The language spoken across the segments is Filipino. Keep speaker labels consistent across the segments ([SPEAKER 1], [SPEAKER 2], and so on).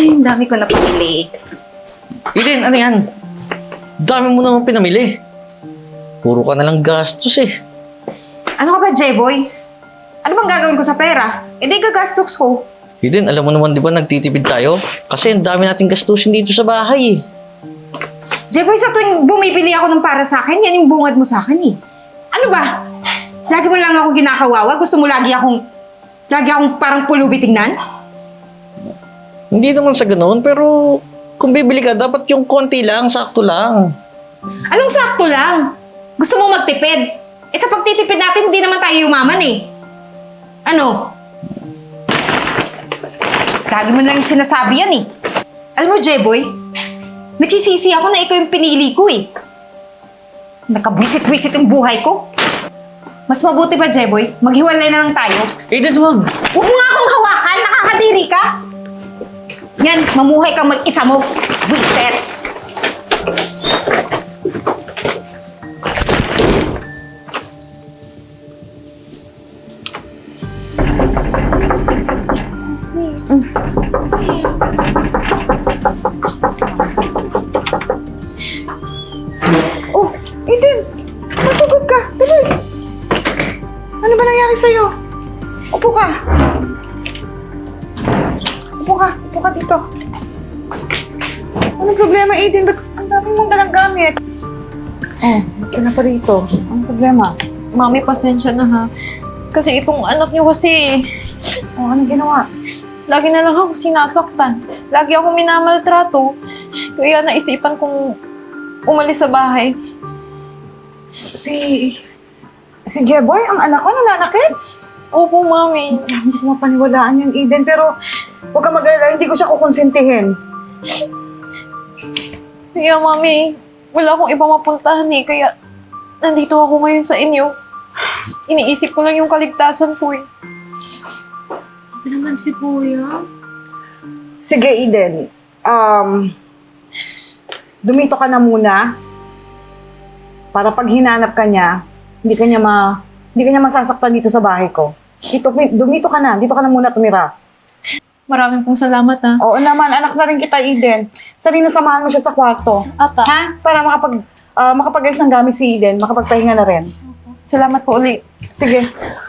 [SPEAKER 1] Ang dami ko na pamili.
[SPEAKER 2] Eden, ano yan? Dami mo naman pinamili. Puro ka nalang gastos eh.
[SPEAKER 1] Ano ka ba, J-Boy? Ano bang gagawin ko sa pera? E di gagastos ko.
[SPEAKER 2] Eden, alam mo naman di ba nagtitipid tayo? Kasi ang dami nating gastusin dito sa bahay eh.
[SPEAKER 1] J-Boy, sa tuwing bumibili ako ng para sa akin, yan yung bungad mo sa akin eh. Ano ba? Lagi mo lang ako kinakawawa? Gusto mo lagi akong parang pulubi tignan?
[SPEAKER 2] Hindi naman sa ganoon, pero kung bibili ka, dapat yung konti lang, sakto lang.
[SPEAKER 1] Anong sakto lang? Gusto mo magtipid? Eh sa pagtitipid natin, hindi naman tayo yumaman eh. Ano? Lagi mo lang sinasabi yan eh. Alam mo, J-Boy, nagsisisi ako na ikaw yung pinili ko eh. Nakabwisit-wisit yung buhay ko. Mas mabuti pa, J-Boy, maghiwalay na lang tayo.
[SPEAKER 2] Eden, wag!
[SPEAKER 1] Huwag mo nga akong hawakan, nakakadiri ka. Yan, mamuhay kang mag-isa mo. Wiset! Oh, Eden! Masugod ka! Tuloy! Ano ba nangyari sa'yo? Upo ka! Upo ka dito. Anong problema, Eden? Ba't ang dami mong dalang gamit? Oh, ito na pa rito. Anong problema?
[SPEAKER 3] Mami, pasensya na ha. Kasi itong anak niyo kasi,
[SPEAKER 1] Oh, anong ginawa?
[SPEAKER 3] lagi na lang ako sinasaktan. Lagi ako minamaltrato. Kaya naisipan kong umalis sa bahay.
[SPEAKER 4] Si Jeboy, ang anak ko, nananakit.
[SPEAKER 3] Opo, Mami.
[SPEAKER 4] Hindi ko mapaniwalaan yan, Eden, pero huwag ka mag-alala, hindi ko siya kukonsintihin.
[SPEAKER 3] Kaya, Mami, wala akong iba mapuntahan eh. Kaya nandito ako ngayon sa inyo. Iniisip ko lang yung kaligtasan ko eh.
[SPEAKER 1] Ano naman si Kuya?
[SPEAKER 4] Sige, Eden, dumito ka na muna para pag hinanap ka niya, hindi ka niya masasaktan dito sa bahay ko. Dumito ka na, dito ka na muna tumira.
[SPEAKER 3] Maraming pong salamat ha.
[SPEAKER 4] Oo naman, anak na rin kita, Eden. Sarili samahan mo siya sa kwarto.
[SPEAKER 3] Apa.
[SPEAKER 4] Ha? Para makapag-ayos ng gamit si Eden, makapagpahinga na rin.
[SPEAKER 3] Salamat po ulit.
[SPEAKER 4] Sige.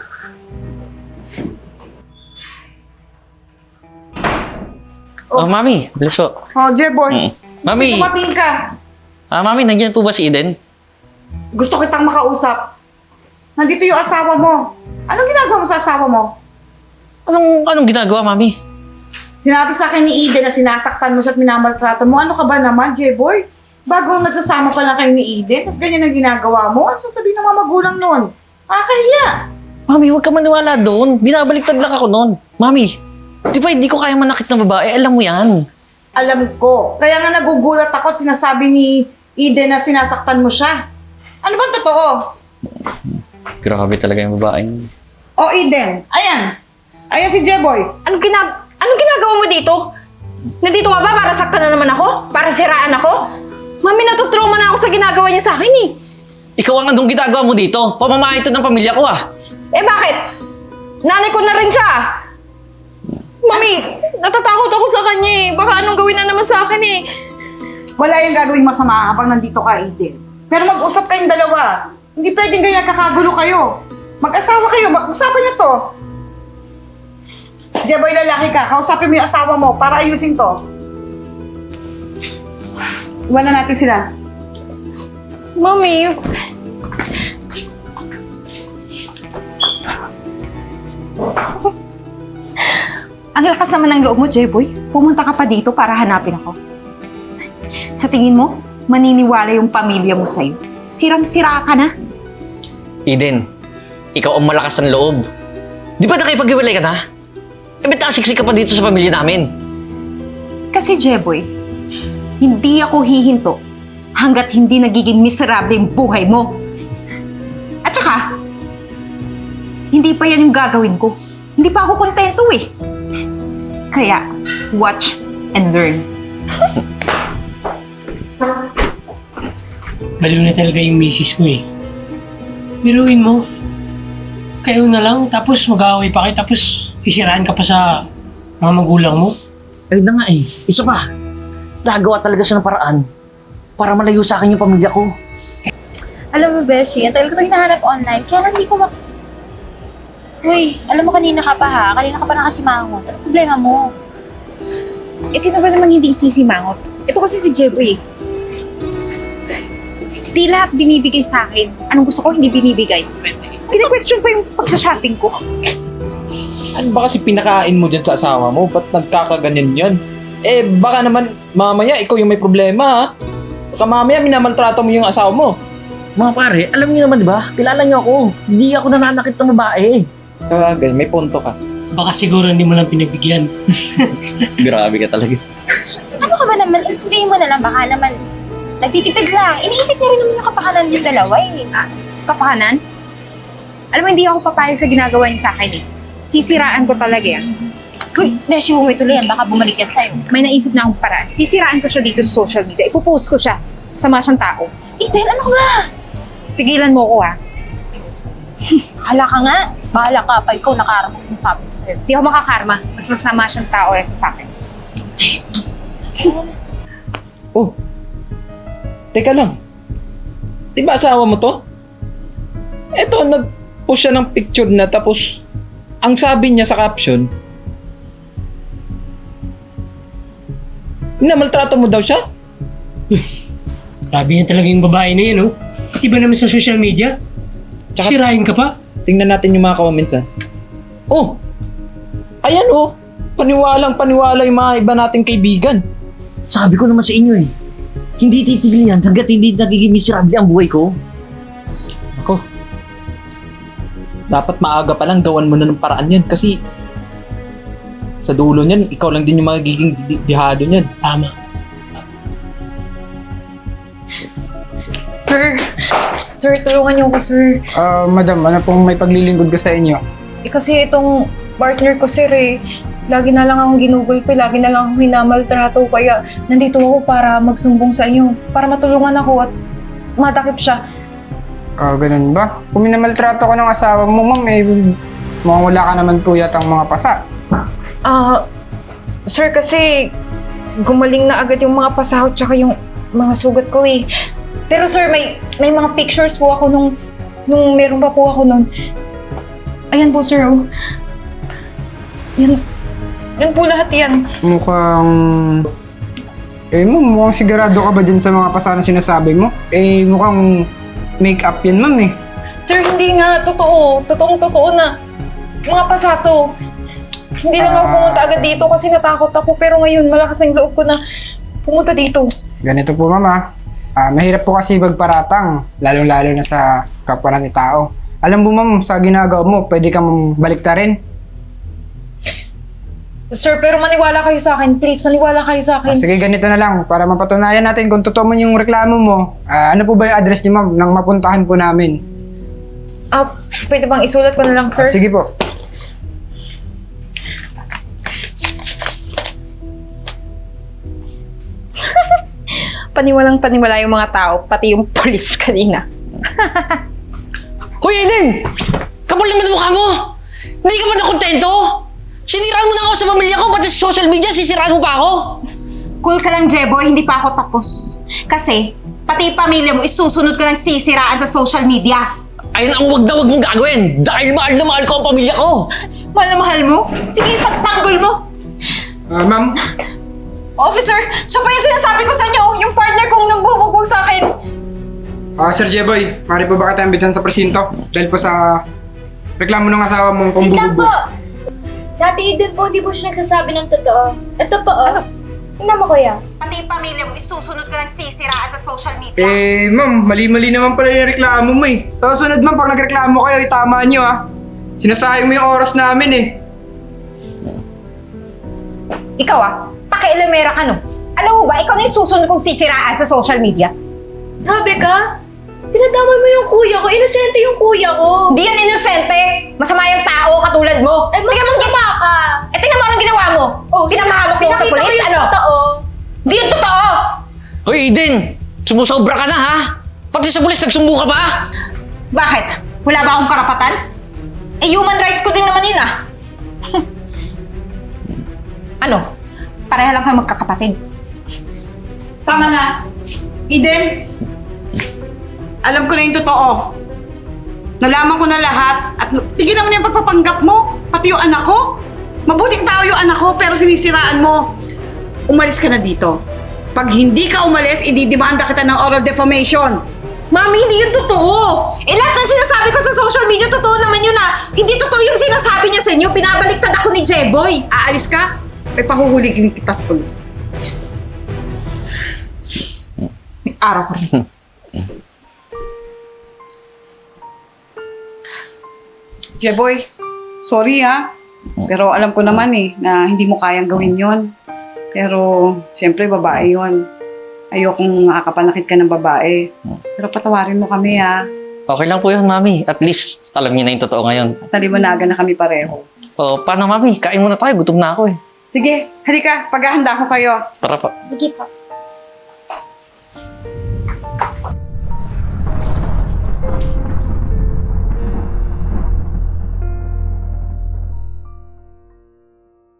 [SPEAKER 2] Oh, Mami, bless po.
[SPEAKER 4] Oh, Jeboy,
[SPEAKER 2] Mami,
[SPEAKER 4] tumating ka.
[SPEAKER 2] Mami, nandiyan po ba si Eden?
[SPEAKER 4] Gusto kitang makausap. Nandito yung asawa mo. Anong ginagawa mo sa asawa mo?
[SPEAKER 2] Anong ginagawa, Mami?
[SPEAKER 4] Sinabi sa akin ni Eden na sinasaktan mo siya at minamaltrato mo. Ano ka ba naman, Jeboy? Bagong nagsasama pa lang kayo ni Eden, tapos ganyan ang ginagawa mo. Ano sasabihin ng mga magulang nun? Nakakahiya.
[SPEAKER 2] Mami, huwag ka maniwala doon. Binabaliktad lang ako noon. Mami, di ba hindi ko kaya manakit ng babae? Alam mo yan.
[SPEAKER 4] Alam ko. Kaya nga nagugulat ako at sinasabi ni Eden na sinasaktan mo siya. Ano ba totoo?
[SPEAKER 2] Grabe talaga yung babae.
[SPEAKER 4] O Eden, ayan. Ayan si Jeboy.
[SPEAKER 1] Anong ginagawa mo dito? Nandito ka ba para saktan na naman ako? Para siraan ako? Mami, natutrauma na ako sa ginagawa niya sa akin eh.
[SPEAKER 2] Ikaw ang anong ginagawa mo dito? Pamamahay ito ng pamilya ko ah.
[SPEAKER 1] Eh bakit? Nanay ko na rin siya. Mami, natatakot ako sa kanya eh. Baka anong gawin na naman sa akin eh.
[SPEAKER 4] Wala yung gagawing masama habang nandito ka, Eden. Pero mag-usap kayong dalawa. Hindi pwedeng ganyan kakagulo kayo. Mag-asawa kayo, mag-usapan niyo to. Jeboy, lalaki ka. Kausapin mo yung asawa mo para ayusin to. Iwanan natin sila.
[SPEAKER 3] Mami,
[SPEAKER 1] Ang lakas naman ng loob mo, Jeboy. Pumunta ka pa dito para hanapin ako. Sa tingin mo, maniniwala yung pamilya mo sa'yo. Sirang-sira ka na.
[SPEAKER 2] Eden, ikaw ang malakas ng loob. Di ba nakipag-iwalay ka na? Eh, ba't nakasiksik ka pa dito sa pamilya namin?
[SPEAKER 1] Kasi, Jeboy, hindi ako hihinto hanggat hindi nagiging miserable yung buhay mo. At saka, hindi pa yan yung gagawin ko. Hindi pa ako kontento eh. Kaya, watch and learn.
[SPEAKER 5] Baliw na talaga yung misis mo eh. Biruin mo. Kayo na lang, tapos mag-aaway pa kayo, tapos isiraan ka pa sa mga magulang mo.
[SPEAKER 2] Ayun na nga eh. Isa pa. Nagawa talaga siya ng paraan para malayo sa akin yung pamilya ko.
[SPEAKER 6] Alam mo, Beshi, ang tagal ko ito hinahanap online, kaya lang hindi ko Uy, alam mo kanina ka pa ha? Kanina ka pa nakasimangot. Ano problema mo?
[SPEAKER 1] Eh, sino ba namang hindi sisimangot? Ito kasi si Jeboy. Di lahat binibigay sa akin. Anong gusto ko, hindi binibigay. Kini-question pa yung pagsha-shopping ko.
[SPEAKER 7] Ano ba kasi pinakain mo dyan sa asawa mo? Ba't nagkakaganyan yan? Eh, baka naman mamaya ikaw yung may problema, ha? Baka mamaya minamaltrato mo yung asawa mo.
[SPEAKER 2] Mga pare, alam niyo naman di ba? Kilala niyo ako. Hindi ako nananakit ng babae.
[SPEAKER 7] Sabagay, may punto ka.
[SPEAKER 5] Baka siguro hindi mo lang pinagbigyan.
[SPEAKER 2] Grabe ka talaga.
[SPEAKER 6] Ano ka ba naman? Intindihin mo na lang, baka naman nagtitipid lang. Iniisip niya rin naman yung kapakanan yung dalawa eh.
[SPEAKER 1] Kapakanan? Alam mo, hindi ako papayag sa ginagawa niya sa akin eh. Sisiraan ko talaga yan.
[SPEAKER 6] Uy, Beshi, huwag tuloy yan. Baka bumalik yan sa'yo.
[SPEAKER 1] May naisip na akong paraan. Sisiraan ko siya dito sa social media. Ipopost ko siya. Sama siyang tao.
[SPEAKER 6] Eden, ano ka ba?
[SPEAKER 1] Pigilan mo ko ha.
[SPEAKER 6] Bahala ka nga. Bahala ka. Pag ikaw nakaharap, sinasabi ko sa'yo.
[SPEAKER 1] Di ako makakarma. Mas masama siyang tao sa akin.
[SPEAKER 7] Oh, teka lang. Di ba asawa mo to? Eto, nag-post siya ng picture na tapos ang sabi niya sa caption, minamaltrato mo daw siya?
[SPEAKER 5] Grabe yan talaga yung babae na yun, oh. Pati ba naman sa social media?
[SPEAKER 7] Tsaka-
[SPEAKER 5] Sirain ka pa?
[SPEAKER 7] Tingnan natin yung mga comments, ha. Oh, ayan oh. Paniwala yung mga iba nating kaibigan.
[SPEAKER 2] Sabi ko naman sa inyo eh. Hindi titigil yan hanggat hindi nagiging miserable ang buhay ko.
[SPEAKER 7] Ako, dapat maaga pa lang gawan mo na ng paraan yan kasi sa dulo niyan, ikaw lang din yung magiging dihado niyan.
[SPEAKER 5] Tama.
[SPEAKER 3] Sir, tulungan niyo ko, sir.
[SPEAKER 8] Madam, ano pong may paglilingkod ko sa inyo?
[SPEAKER 3] Eh, kasi itong partner ko, sir, eh, lagi na lang akong ginugulpi, lagi na lang akong minamaltrato, kaya nandito ako para magsumbong sa inyo, para matulungan ako at matakip siya.
[SPEAKER 8] Ganun ba? Kung minamaltrato ko ng asawa mo, ma'am, eh, mukhang wala ka naman po yatang mga pasa.
[SPEAKER 3] Sir, kasi gumaling na agad yung mga pasahod tsaka yung mga sugat ko eh. Pero sir, may mga pictures po ako nung meron pa po ako nun. Ayan po, sir, oh. Yan po lahat yan.
[SPEAKER 8] Mukhang... mukhang sigurado ka ba dyan sa mga pasa na sinasabi mo? Mukhang make-up yan, ma'am, eh.
[SPEAKER 3] Sir, hindi nga. Totoo. Totoong-totoo na. Mga pasato. Hindi lang ako pumunta agad dito kasi natakot ako. Pero ngayon, malakas ang loob ko na pumunta dito.
[SPEAKER 8] Ganito po, ma'am, ah. Mahirap po kasi magparatang, lalong-lalo na sa kapwa natin tao. Alam mo, ma'am, sa ginagawa mo, pwede kang baliktarin.
[SPEAKER 3] Sir, pero maniwala kayo sa akin. Please, maniwala kayo sa akin.
[SPEAKER 8] Sige, ganito na lang. Para mapatunayan natin kung totoo man yung reklamo mo, ano po ba yung address niyo, ma'am, nang mapuntahan po namin?
[SPEAKER 3] Pwede bang isulat ko na lang, sir?
[SPEAKER 8] Sige po.
[SPEAKER 1] Paniwalang-paniwala yung mga tao, pati yung polis kanina.
[SPEAKER 2] Hoy Eden! Kapal naman ang mukha mo! Hindi ka ba nakontento? Siniraan mo na ako sa pamilya ko, pati sa social media, sisiraan mo pa ako?
[SPEAKER 1] Cool ka lang, Jeboy. Hindi pa ako tapos. Kasi, pati pamilya mo, isusunod ko ng sisiraan sa social media.
[SPEAKER 2] Ayun ang wag na wag mong gagawin dahil mahal na mahal ko ang pamilya ko!
[SPEAKER 1] Mahal na mahal mo? Sige, pagtanggol mo.
[SPEAKER 8] Ma'am,
[SPEAKER 3] Officer, siya pa yung sinasabi ko sa inyo. Yung partner kong nambubugbog sa akin.
[SPEAKER 8] Sir Jeboy, maaari po ba kita imbitan sa presinto? Dahil po sa reklamo ng asawa mong pambubugbog.
[SPEAKER 6] Sa Ate Eden po, di po siya nagsasabi ng totoo. Ito po, oh. Tingnan mo, kuya.
[SPEAKER 1] Pati pamilya mo, isusunod ko ng sisiraan sa social media.
[SPEAKER 8] Ma'am, mali-mali naman pala yung reklamo mo eh. Sa sunod, ma'am, pag nagreklamo kayo, itama nyo ah. Sinasayang mo yung oras namin eh.
[SPEAKER 1] Ikaw pakialamera ka no. Alam mo ba, ikaw na yung susunod kong sisiraan sa social media.
[SPEAKER 6] Grabe ka? Tinadamay mo yung kuya ko. Inosente yung kuya ko.
[SPEAKER 1] Hindi yan inosente. Masama yung tao katulad mo.
[SPEAKER 6] Eh, mas masama ka.
[SPEAKER 1] Tingnan mo anong ginawa mo. Pinamahamak mo sa
[SPEAKER 6] Pinakita
[SPEAKER 1] polis,
[SPEAKER 6] ko yung
[SPEAKER 1] ano?
[SPEAKER 6] totoo.
[SPEAKER 1] Hindi yung totoo.
[SPEAKER 2] Hoy Eden! Sumusobra ka na ha? Pati sa pulis nagsumbo ka pa?
[SPEAKER 1] Bakit? Wala ba akong karapatan? Human rights ko din naman yun Ano? Pareha lang kayo magkakapatid.
[SPEAKER 4] Tama na. Eden, alam ko na yung totoo. Nalaman ko na lahat at tigilan mo na yung pagpapanggap mo, pati yung anak ko. Mabuting tao yung anak ko pero sinisiraan mo. Umalis ka na dito. Pag hindi ka umalis, ididimanda kita ng oral defamation.
[SPEAKER 1] Mami, hindi yun totoo! Lahat ng sinasabi ko sa social media, totoo naman yun Hindi totoo yung sinasabi niya sa inyo. Pinabaliktad ako ni Jeboy.
[SPEAKER 4] Aalis ka, ay pahuhuligin kita sa polis.
[SPEAKER 1] May araw ko rin.
[SPEAKER 4] Jeboy, sorry pero alam ko naman na hindi mo kayang gawin yon. Pero, siyempre, babae yon. Ayokong makakapanakit ka ng babae. Pero patawarin mo kami
[SPEAKER 2] Okay lang po yun, Mami. At least, alam niyo na yung totoo ngayon.
[SPEAKER 4] Naliwanagan na kami pareho.
[SPEAKER 2] O, paano, Mami? Kain muna tayo. Gutom na ako eh.
[SPEAKER 4] Sige, halika, paghahanda ko kayo.
[SPEAKER 2] Tara pa.
[SPEAKER 6] Sige po.